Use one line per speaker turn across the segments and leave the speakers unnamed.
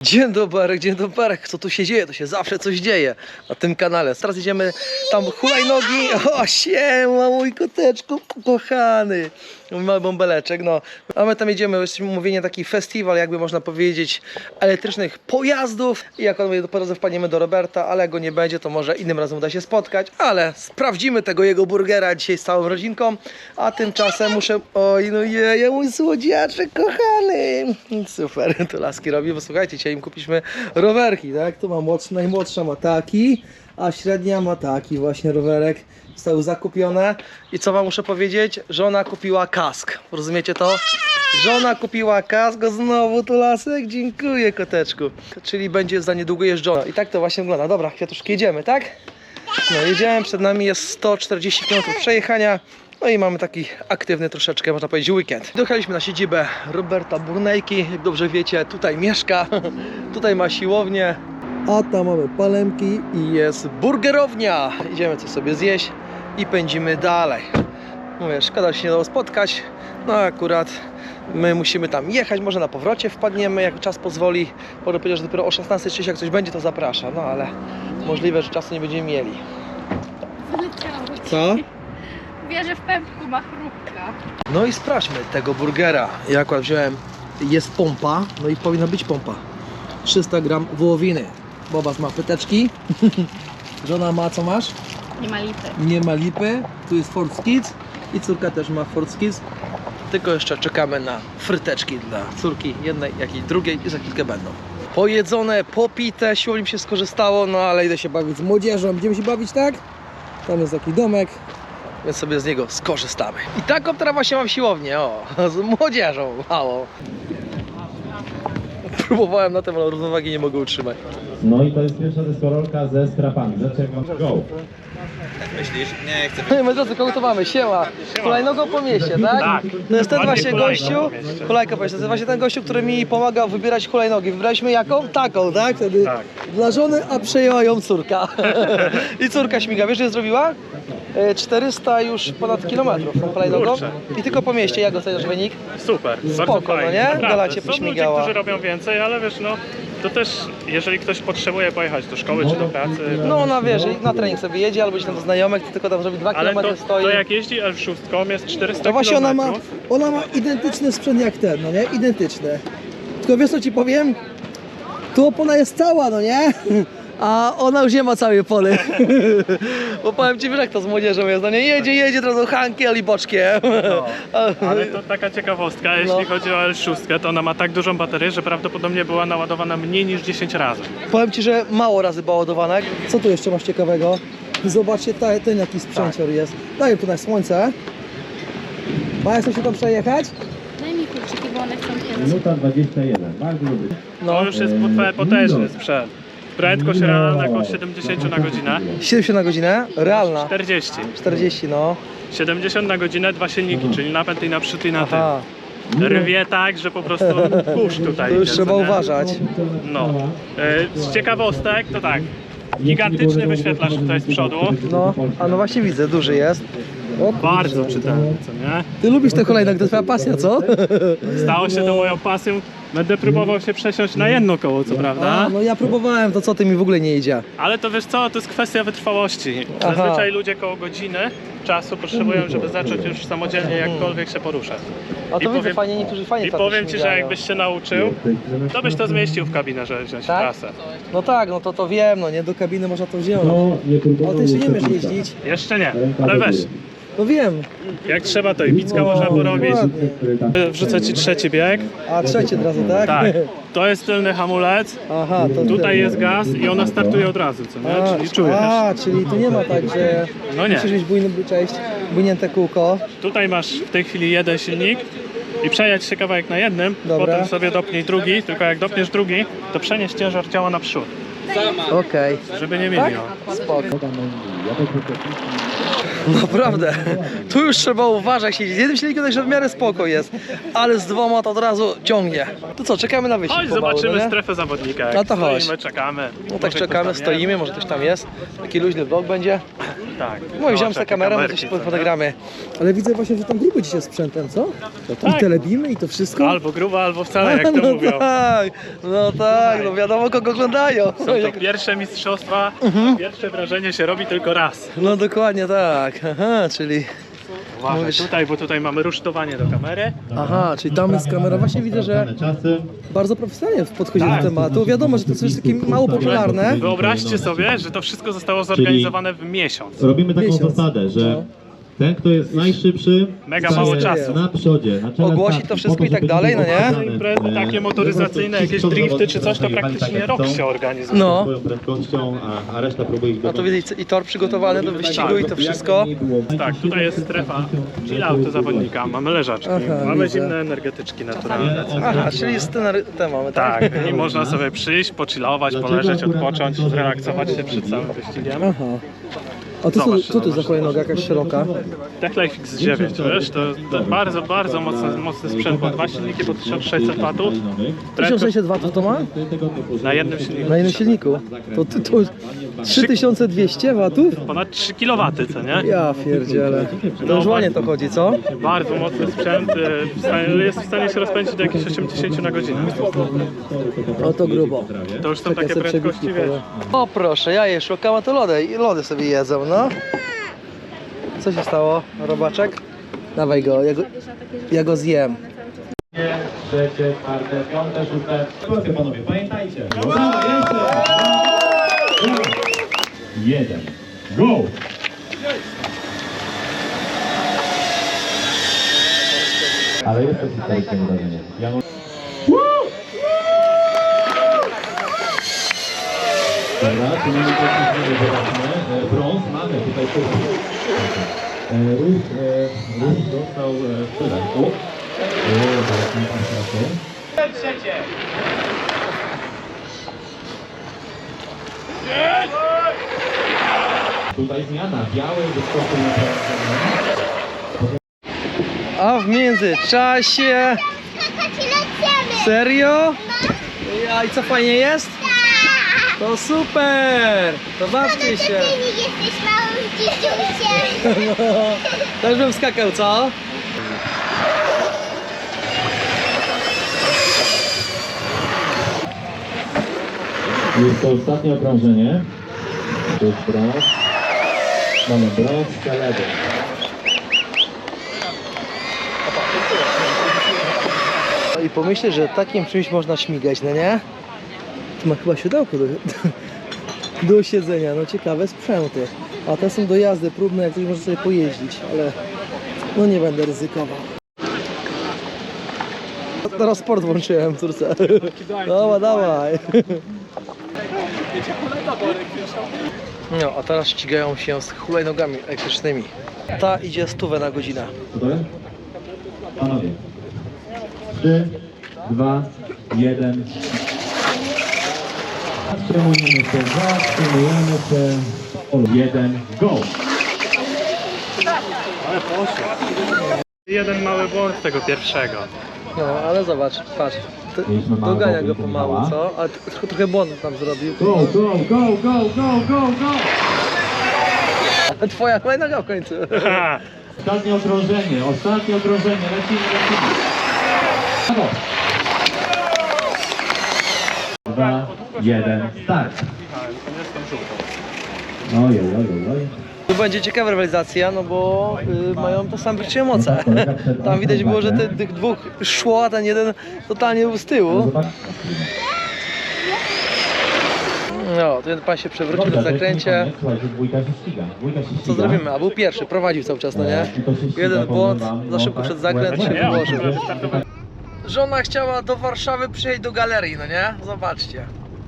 Dzień dobry, co tu się dzieje? To się zawsze coś dzieje na tym kanale. Teraz idziemy tam hulajnogi. O, siema, mój koteczku kochany. Mój mały bąbeleczek, no. A my tam jedziemy, jesteśmy umówieni taki festiwal, jakby można powiedzieć, elektrycznych pojazdów. I jak on mówi, po drodze wpadniemy do Roberta, ale jak go nie będzie, to może innym razem uda się spotkać. Ale sprawdzimy tego jego burgera dzisiaj z całą rodzinką. A tymczasem muszę... Oj, no je, mój słodziaczek kochany. Super, to laski robi, bo słuchajcie, dzisiaj im kupiliśmy rowerki, tak? Tu ma najmłodsza ma taki, a średnia ma taki właśnie rowerek. Zostały zakupione. I co wam muszę powiedzieć? Żona kupiła kask. Rozumiecie to? Żona kupiła kask, znowu tu lasek. Dziękuję, koteczku. Czyli będzie za niedługo jeżdżona. I tak to właśnie wygląda. Dobra, kwiatuszki, jedziemy, tak? No, jedziemy, przed nami jest 140 km przejechania. No i mamy taki aktywny troszeczkę, można powiedzieć, weekend. Dojechaliśmy na siedzibę Roberta Burnejki. Jak dobrze wiecie, tutaj mieszka. Tutaj ma siłownię. A tam mamy palemki i jest burgerownia. Idziemy coś sobie zjeść i pędzimy dalej. Mówię, szkoda się nie dało spotkać. No akurat my musimy tam jechać, może na powrocie wpadniemy, jak czas pozwoli. Może powiedzieć, że dopiero o 16:30 jak coś będzie, to zaprasza. No ale możliwe, że czasu nie będziemy mieli. Co?
Wierzę w pępku ma chrupka.
No i sprawdźmy tego burgera. Ja akurat wziąłem, jest pompa, no i powinna być pompa. 300 gram wołowiny. Bobas ma pyteczki. Żona ma, co masz?
Nie ma lipy.
Nie ma lipy. Tu jest Ford Kids i córka też ma Ford Kids. Tylko jeszcze czekamy na fryteczki dla córki jednej, jak i drugiej i za chwilkę będą. Pojedzone, popite, siłą się skorzystało, no ale idę się bawić z młodzieżą. Będziemy się bawić, tak? Tam jest taki domek, więc sobie z niego skorzystamy. I taką teraz właśnie mam siłownię, o, z młodzieżą, mało. Próbowałem na tym, ale równowagi nie mogę utrzymać.
No i to jest pierwsza deskorolka ze strapami. Zaczekam. Go!
Myślisz? Nie chcę.
No my drodzy, kogo to mamy? Siema. Hulajnogą po mieście, tak?
Tak.
To jest ten
Ładnie
właśnie
hulajka
gościu,
po mieście.
hulajka po mieście, to jest właśnie ten gościu, który mi pomagał wybierać hulajnogi. Wybraliśmy jaką? Taką, tak? Wtedy
Tak.
dla żony, a przejęła ją córka. I córka śmiga. Wiesz, że zrobiła? 400 już ponad kilometrów tą hulajnogą.
Kurczę.
I tylko po mieście. Jak oceniasz wynik?
Super,
Spoko,
bardzo fajnie.
no nie?
Naprawdę.
Gola cię
Są ludzie,
pośmigała.
którzy robią więcej, ale wiesz, no to też, jeżeli ktoś potrzebuje pojechać do szkoły czy do pracy,
No ona wiesz, na trening sobie jedzie albo gdzieś tam do znajomych, to tylko tam zrobi 2
ale
km
to
stoi.
jak jeździ L6 jest 400
To właśnie
km.
ona ma identyczny sprzęt jak ten, no nie? Identyczny. Tylko wiesz co ci powiem? Tu opona jest cała, no nie? A ona już nie ma całej opony. Bo powiem ci, wiesz jak to z młodzieżą jest, no nie? Jedzie, od razu hankiel i boczkiem.
No, ale to taka ciekawostka, jeśli chodzi o L6, to ona ma tak dużą baterię, że prawdopodobnie była naładowana mniej niż 10 razy.
Powiem ci, że mało razy była ładowana. Co tu jeszcze masz ciekawego? Zobaczcie, ten jaki sprzęcior jest. Daję tu na słońce. Maja, chcesz się tam przejechać?
Daj mi kluczyki, bo one chcą się
Minuta 21. Bardzo lubię.
To już jest potężny sprzęt. Prędkość realna około 70 na godzinę.
70 na godzinę? Realna.
40.
40, no.
70 na godzinę, 2 silniki, czyli napęd i na przód i na tył.
Aha.
Rwie tak, że po prostu kurz tutaj
To już
idzie,
trzeba
co nie?
uważać.
No. Z ciekawostek to tak. Gigantyczny wyświetlacz tutaj z przodu.
No, a no właśnie widzę, duży jest. O,
Bardzo czytelny, co nie?
ty lubisz te hulajnogi, to twoja pasja, co?
Stało się to moją pasją. Będę próbował się przesiąść na jedno koło, co prawda.
A, no ja próbowałem, to co ty mi w ogóle nie idzie.
Ale to wiesz co, to jest kwestia wytrwałości.
Aha.
Zazwyczaj ludzie koło godziny czasu potrzebują, żeby zacząć już samodzielnie jakkolwiek się poruszać.
A to
I
widzę,
powiem-
fajnie, niektórzy fajnie
I
tak
powiem ci, że
śmigają.
jakbyś się nauczył, to byś to zmieścił w kabinę, żeby wziąć
Tak?
trasę.
No tak, no to wiem, no nie, do kabiny można to wziąć.
No, nie próbował.
Ale ty jeszcze nie umiesz jeździć.
Jeszcze nie, ale weź.
No wiem.
Jak trzeba, to i bicka można porobić.
Dokładnie.
Wrzucę ci trzeci bieg.
A trzeci od razu, tak?
Tak. To jest tylny hamulec.
Aha, to
Tutaj jest gaz i ona startuje od razu, co nie? Czyli czujesz.
A, czyli tu nie ma tak, że
No nie.
musisz mieć bujnięte kółko.
Tutaj masz w tej chwili jeden silnik i przejechać się kawałek na jednym,
Dobra.
potem sobie dopnij drugi, tylko jak dopniesz drugi, to przenieś ciężar ciała naprzód,
Okej,
żeby nie
tak?
mieliło.
Spoko. Naprawdę, tu już trzeba uważać, siedzieć. Z jednym silnikiem także w miarę spoko jest, ale z dwoma to od razu ciągnie. To co, czekamy na wyścig
Chodź,
pomału,
zobaczymy
no nie?
strefę zawodnika. Jak
No to chodź.
stoimy, czekamy.
No tak
Może ktoś
czekamy,
tam
stoimy, może ktoś tam jest. Taki luźny vlog będzie.
Tak.
No i wziąłem
takie
sobie kamerę, my
kamerki,
coś
co nie?
fotogramy. Ale widzę właśnie, że tam gruby dzisiaj sprzętem, co?
tak.
I telebimy i to wszystko.
Albo grubo, albo wcale, jak to
no
mówią.
tak, no tak, no wiadomo kogo oglądają.
Są to pierwsze mistrzostwa, pierwsze wrażenie się robi tylko raz.
No dokładnie tak, aha, czyli...
Uważaj
Mówisz-
tutaj, bo tutaj mamy rusztowanie do kamery.
Aha, czyli tam jest kamera, właśnie widzę, że
Czasy.
bardzo profesjonalnie podchodzi
Tak.
do tematu. Wiadomo, że to jest takie mało popularne.
Wyobraźcie sobie, że to wszystko zostało zorganizowane w miesiąc.
Robimy taką
Miesiąc.
zasadę, że
No.
ten, kto jest najszybszy,
Mega
staje
mało czasu.
na przodzie, na czele
Ogłosi
stawki,
to wszystko
po
i tak
żeby
dalej, no nie?
pokazane,
Imprezy takie motoryzacyjne,
po prostu
jakieś
ci
drifty czy coś, to
zawodnicy
praktycznie
tak jak
rok
chcą,
się organizuje.
No.
swoją prędkością, a reszta próbuje ich
No to widzicie, i tor przygotowany do wyścigu i to wszystko.
Tak, tutaj jest strefa chilloutu zawodnika, mamy leżaczki,
Aha,
mamy
widzę.
zimne energetyczki naturalne.
Aha, czyli jest ten mamy, tak?
Tak, i można sobie przyjść, pochillować, poleżeć, odpocząć, zrelaksować się przed całym wyścigiem.
Aha. A to
Zobacz,
co to za hulajnoga jakaś szeroka?
Techlife X9, wiesz, to bardzo, bardzo mocny sprzęt, bo 2 silniki po 1600 watów.
1600 watów to ma?
Na jednym silniku.
Na jednym silniku. To 3200 watów?
Ponad 3 kW, co nie?
Ja pierdzielę. To już ładnie to chodzi, co?
Bardzo mocny sprzęt, jest w stanie się rozpędzić do jakichś 80 na godzinę.
No to grubo.
To już są
Czekaj,
takie
sobie
prędkości,
przebitki
wiesz.
powiem. O proszę, ja je szukam, a to lody sobie jedzą, no. Co się stało, robaczek? Dawaj go, ja go zjem.
Trzecie, czwarte, piąte, szóste. Słuchajcie panowie, pamiętajcie. Jeden. Go! Ale jest to historyczne wydarzenie. Dobra, tu mamy coś, zobaczmy. Brąz mamy tutaj Ruch dostał w pytanku. Zaraz mi pan trafię. Tutaj zmiana. Biały wyskoczył na prawo.
A w międzyczasie... Serio? Ja, i co, fajnie jest? To super! To bawcie się!
Jesteś małym dzidziusiem.
No, też bym skakał, co?
Jest to ostatnie okrążenie. To jest brąz. Mamy brąz, seledę.
No i pomyślę, że takim czymś można śmigać, no nie? Tu ma chyba siodełko do siedzenia, no ciekawe sprzęty. A te są do jazdy próbne, jak ktoś może sobie pojeździć, ale no nie będę ryzykował. Teraz sport włączyłem, córce. Dawaj, dawaj. No, a teraz ścigają się z hulajnogami elektrycznymi. Ta idzie 100 na godzinę.
Gotowe? Panowie. 3, 2, 1. Zatrzymujemy się, zatrzymujemy się. 1, go!
Ale poszło. Jeden mały błąd z tego pierwszego.
No, ale zobacz, patrz.
Mieliśmy małego
Dogania go
Wojtka
pomału,
Michała.
co? Ale trochę błąd tam zrobił.
Go, go, go, go, go, go, go!
A twoja hulajnoga w końcu.
Ha,
Ostatnie okrążenie, lecimy. Brawo! 2, 1, start! Oj.
Tu będzie ciekawa rywalizacja, no bo mają to same praktycznie moce. Tam widać było, że tych dwóch szło, a ten jeden totalnie był z tyłu. No, ten pan się przewrócił na zakręcie. Co zrobimy? A był pierwszy, prowadził cały czas, no nie? Jeden błąd, za szybko przed zakręt się
nie,
wyłożył.
może wystartować.
Żona chciała do Warszawy przyjechać do galerii, no nie? Zobaczcie.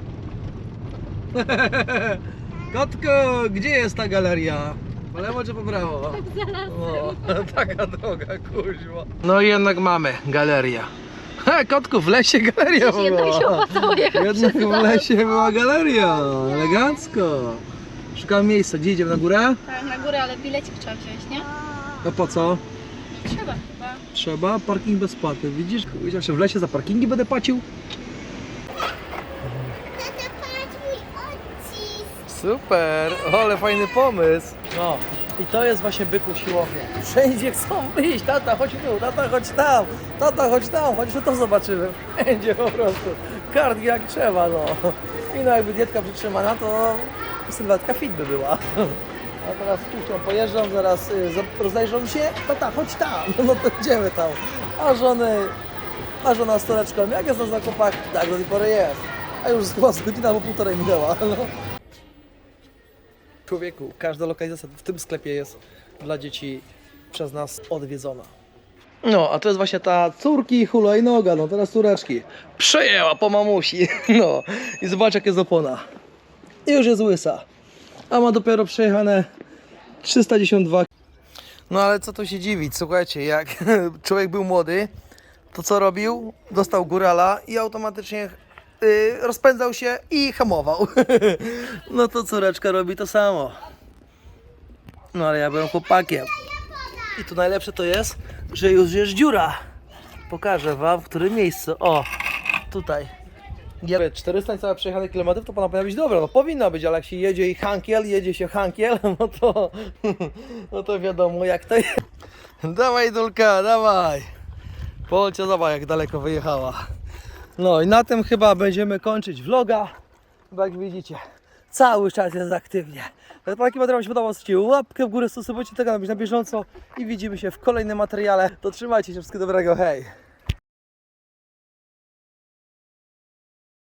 Kotku, gdzie jest ta galeria? Po lewo czy po prawo? O, taka droga, kuźwa. No i jednak mamy galeria. He, kotku, w lesie galeria była. Jednak w lesie była galeria. Elegancko. Szukam miejsca. Gdzie idziemy? Na górę?
Tak, na górę, ale bilecik trzeba wziąć, nie?
No po co?
Trzeba chyba.
Trzeba, parking bezpłatny, widzisz? Wiedział, że w lesie za parkingi będę płacił?
Tata, patrz mój odcisk.
Super, ale fajny pomysł. No i to jest właśnie byku siłownia. Wszędzie chcą wyjść, tata chodź tu, tata chodź tam, tata chodź tam, chodź to zobaczymy. Wszędzie po prostu. Kardio jak trzeba, no. I no jakby dietka przytrzymana, to sylwetka fit by była. A teraz puszczą, pojeżdżam, zaraz rozejrzą się, tata chodź tam, no to idziemy tam. A żona z toreczką, jak jest na zakupach? Tak, do tej pory jest. A już chyba z godzina albo półtorej minęła. No. Człowieku, każda lokalizacja w tym sklepie jest dla dzieci przez nas odwiedzona. No, a to jest właśnie ta córki hulajnoga, no teraz córeczki. Przejęła po mamusi, no. I zobacz jak jest opona. I już jest łysa. A ma dopiero przejechane 312. No ale co tu się dziwić, słuchajcie, jak człowiek był młody, to co robił? Dostał górala i automatycznie rozpędzał się i hamował. No to córeczka robi to samo. No ale ja byłem chłopakiem. I tu najlepsze to jest, że już jest dziura. Pokażę wam w którym miejscu. O, tutaj. 400 niecałe przejechanych kilometrów to powinna być dobra, no powinna być, ale jak się jedzie i jedzie się hankiel, no to wiadomo jak to jest. Dawaj Dulka, dawaj. Polcia, zobacz jak daleko wyjechała. No i na tym chyba będziemy kończyć vloga, bo jak widzicie, cały czas jest aktywnie. Jak taki materiał się podobał, zostawcie łapkę w górę, subskrybujcie tego, aby być na bieżąco i widzimy się w kolejnym materiale. To trzymajcie się, wszystkiego dobrego, hej!